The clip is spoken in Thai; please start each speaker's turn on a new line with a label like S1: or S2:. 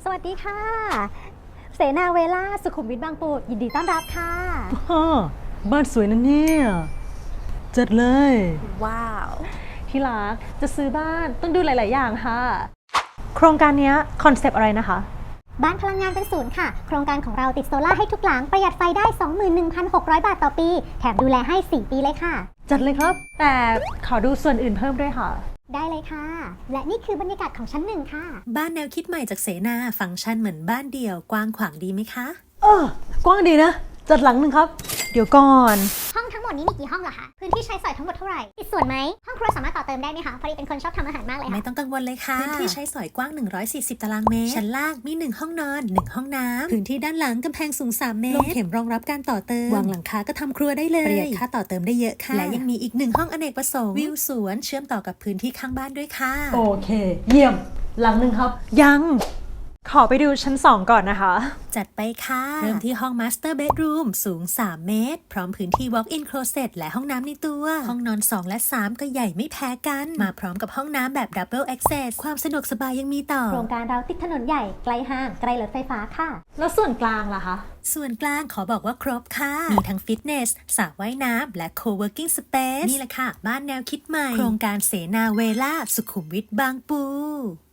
S1: วัสดีค่ะเสนาเวล่าสุขุมวิทบางปูยินดีต้อนรับค่ะ
S2: บ้านสวยนะเนี่ยจัดเลย
S1: ว้าว
S2: ที่รักจะซื้อบ้านต้องดูหลาย ๆ อย่างค่ะ โครงการนี้คอนเซปต์อะไรนะคะ
S1: บ้านพลังงานเป็นศูนย์ค่ะโครงการของเราติดโซล่าให้ทุกหลังประหยัดไฟได้ 21,600 บาทต่อปีแถมดูแลให้4 ปีเลยค่ะ
S2: จัดเลยครับ แต่ขอดูส่วนอื่นเพิ่มด้วยค่ะ
S1: ได้เลยค่ะและนี่คือบรรยากาศของชั้น1ค่ะ
S3: บ้านแนวคิดใหม่จากเสนาฟังก์ชันเหมือนบ้านเดี่ยวกว้างขวางดีไหมคะ
S2: กว้างดีนะ จัดหลังหนึ่งครับ เดี๋ยวก่อน
S1: ห้องทั้งหมดนี้มีกี่ห้องเหรอคะพื้นที่ใช้สอยทั้งหมดเท่าไหร่ติดส่วนไหมห้องครัวสามารถต่อเติมได้ไหมคะพอดีเป็นคนชอบทำอาหารมากเลยค่ะ
S3: ไม่ต้องกังวลเลยค่ะพื้นที่ใช้สอยกว้าง140ตารางเมตรชั้นล่างมี1ห้องนอน1ห้องน้ำพื้นที่ด้านหลังกำแพงสูง3 เมตรลงเข็มรองรับการต่อเติมวางหลังคาก็ทำครัวได้เลยประหยัดค่าต่อเติมได้เยอะค่ะและยังมีอีก1ห้องอเนกประสงค์วิวสวนเชื่อมต่อกับพื้นที่ข้างบ้านด้วยค่ะ
S2: โอเค เยี่ยม หลังหนึ่งครับ ยัง ขอไปดูชั้น 2 ก่อนนะคะ
S3: จัดไปค่ะเริ่มที่ห้อง Master Bedroom สูง3 เมตรพร้อมพื้นที่ Walk-in Closet และห้องน้ำในตัวห้องนอน 2 และ 3 ก็ใหญ่ไม่แพ้กันมาพร้อมกับห้องน้ำแบบ Double Access ความสะดวกสบายยังมีต่อ
S1: โครงการเราติดถนนใหญ่ใกล้ห้างใกล้รถไฟฟ้าค่ะ
S2: แล้วส่วนกลางล่ะคะ
S3: ส่วนกลางขอบอกว่าครบค่ะ มีทั้งฟิตเนสสระว่ายน้ำและ Co-working Space นี่แหละค่ะ บ้านแนวคิดใหม่ โครงการเสนาเวล่าสุขุมวิทบางปู